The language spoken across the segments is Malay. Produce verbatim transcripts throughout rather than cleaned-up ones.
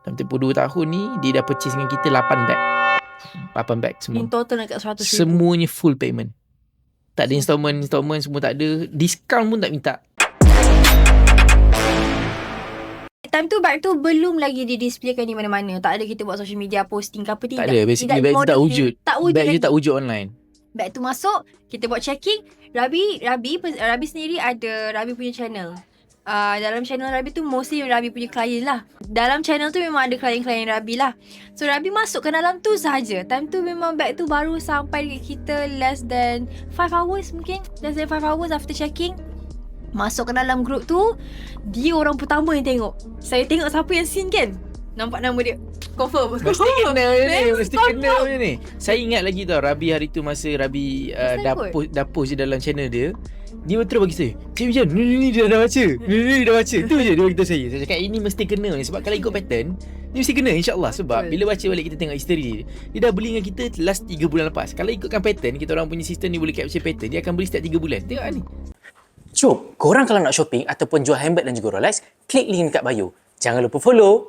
Dalam tempoh dua tahun ni, dia dah purchase dengan kita lapan beg. lapan beg semua. In total dekat seratus ribu. Semuanya full payment. Tak ada installment, installment semua tak ada. Diskaun pun tak minta. Time tu bag tu belum lagi didisplaykan di mana-mana. Tak ada kita buat social media posting ke apa. Tak ada. Basically bag tu tak wujud. Tak wujud Bag lagi. tu tak wujud online. Bag tu masuk, kita buat checking. Rabi, Rabi, Rabi sendiri ada Rabi punya channel. Uh, dalam channel Rabi tu mostly Rabi punya klien lah. Dalam channel tu memang ada klien-klien Rabi lah. So Rabi masuk ke dalam tu sahaja. Time tu memang bag tu baru sampai dekat kita less than five hours mungkin. Less than five hours after checking. Masuk ke dalam group tu, dia orang pertama yang tengok. Saya tengok siapa yang scene kan. Nampak nama dia. Confirm. Mesti kena ni. Mesti Confirm. kena punya ni. Saya ingat lagi tau, Rabi hari tu masa Rabi uh, dah, post, dah post je dalam channel dia. Dia betul bagi saya, Cik Wijan, ni, ni, ni dia dah baca. Ni, ni dia dah baca. Itu je dia beritahu saya. Saya cakap ini mesti kena ni. Sebab kalau ikut pattern, ni mesti kena insyaAllah. Sebab bila baca balik kita tengok history dia, dia dah beli dengan kita last tiga bulan lepas. Kalau ikutkan pattern, kita orang punya sistem ni boleh capture pattern, dia akan beli setiap tiga bulan. Tengok ni. Jom, korang kalau nak shopping ataupun jual handbag dan juga Rolex, klik link dekat bio. Jangan lupa follow.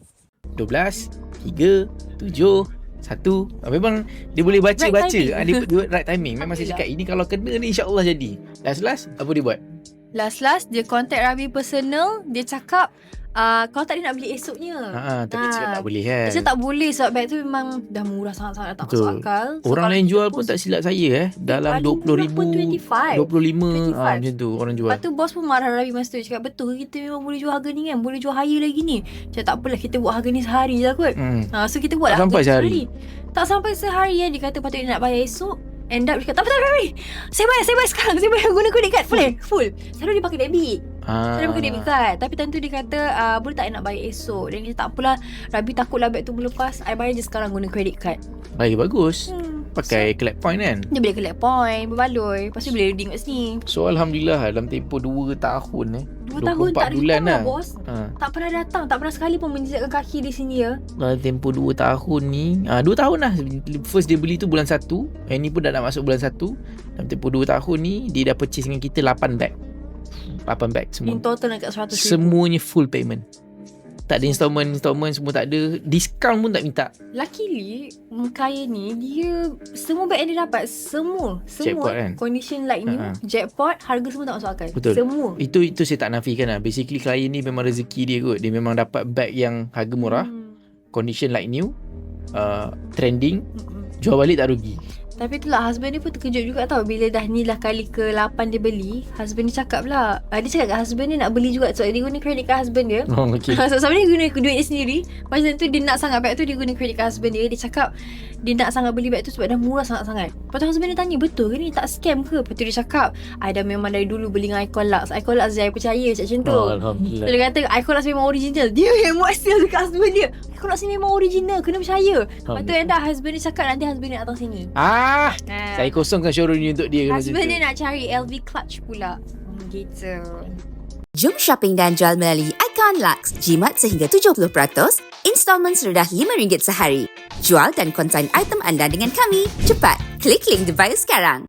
dua belas, tiga, tujuh, satu. Memang dia boleh baca-baca. Right ha, dia, dia right timing. Memang saya cakap ini kalau kena ni insya-Allah jadi. Last-last apa dia buat? Last-last dia contact Rabi personal. Dia cakap uh, kalau tak dia nak beli esoknya. Ha, tapi Ha. cakap tak boleh kan. Dia cakap tak boleh sebab bag tu memang dah murah sangat-sangat, tak Betul. masuk akal. So, Orang kalau lain kita jual pun post- tak silap saya eh. Dalam paling dua puluh murah ribu, pun dua puluh lima. dua puluh lima dua puluh lima. ah, macam tu orang jual. Lepas tu bos pun marah Rabi masa tu. Dia cakap betul ke kita memang boleh jual harga ni kan. Boleh jual higher lagi ni. Cakap tak apalah, kita buat harga ni sehari je lah kot. Hmm. Ha, so kita buat Tak lah sampai harga sehari. Tak sampai sehari ya. Dia kata patut dia nak bayar esok. End up dia kata, tak apa-apa, saya bayar, saya bayar sekarang. Saya bayar guna credit card full. Full. Selalu dia pakai debit. Ah. Saya pakai debit card. Tapi tentu dia kata uh, boleh tak I nak bayar esok. Dan dia kata tak apalah, Rabi takutlah beg tu melepas, I bayar je sekarang guna credit card. Lagi bagus. Hmm. Pakai collect point kan. Dia boleh collect point, berbaloi. Lepas tu boleh redeem kat sini. So Alhamdulillah dalam tempoh dua tahun eh. Dua tahun tak bulan datang lah lah. bos. Ha. Tak pernah datang. Tak pernah sekali pun menjejakkan kaki di sini ya. Dalam tempoh dua tahun ni ah, dua tahun lah. First dia beli tu bulan satu. Yang ni pun dah nak masuk bulan satu. Dalam tempoh dua tahun ni, dia dah purchase dengan kita lapan beg. lapan beg semua. In total dekat seratus ribu. Semuanya full payment. Tak ada installment, installment semua tak ada. Diskaun pun tak minta. Luckily, Mekaya ni, dia semua beg yang dia dapat, semua, Jackpot semua kan? condition like new, Ha-ha. jackpot, harga semua tak masuk akal. Betul. Semua. Itu itu saya tak nafikan lah. Basically klien ni memang rezeki dia kot. Dia memang dapat beg yang harga murah, Hmm. condition like new, uh, trending, Mm-mm. jual balik tak rugi. Tapi itulah husband dia pun terkejut juga tau. Bila dah ni lah kali ke lapan dia beli, husband dia cakap lah, uh, dia cakap kat husband dia nak beli juga. So dia guna credit card husband dia. Oh, okay. So sebenarnya dia guna duit dia sendiri. Masa tu dia nak sangat beg tu, dia guna credit card husband dia. Dia cakap dia nak sangat beli beg tu sebab dah murah sangat-sangat. Lepas tu husband dia tanya, betul ke ni, tak scam ke? Lepas tu dia cakap, I dah memang dari dulu beli dengan Icon Lux. Icon Lux saya percaya macam tu. Oh, So Alhamdulillah. dia kata Icon Lux memang original. Dia yang buat sale dekat husband dia. Icon Lux ni memang original, kena percaya. Lepas tu end up husband dia cakap nanti husband dia datang sini. Ah, Ha. saya kosongkan showroom ni untuk dia. Husband dia nak cari L V clutch pula. Hmm, gitu. Jom shopping dan jual melalui Icon Lux. Jimat sehingga tujuh puluh peratus, installment serendah lima ringgit sehari. Jual dan konsign item anda dengan kami. Cepat, klik link di bio sekarang.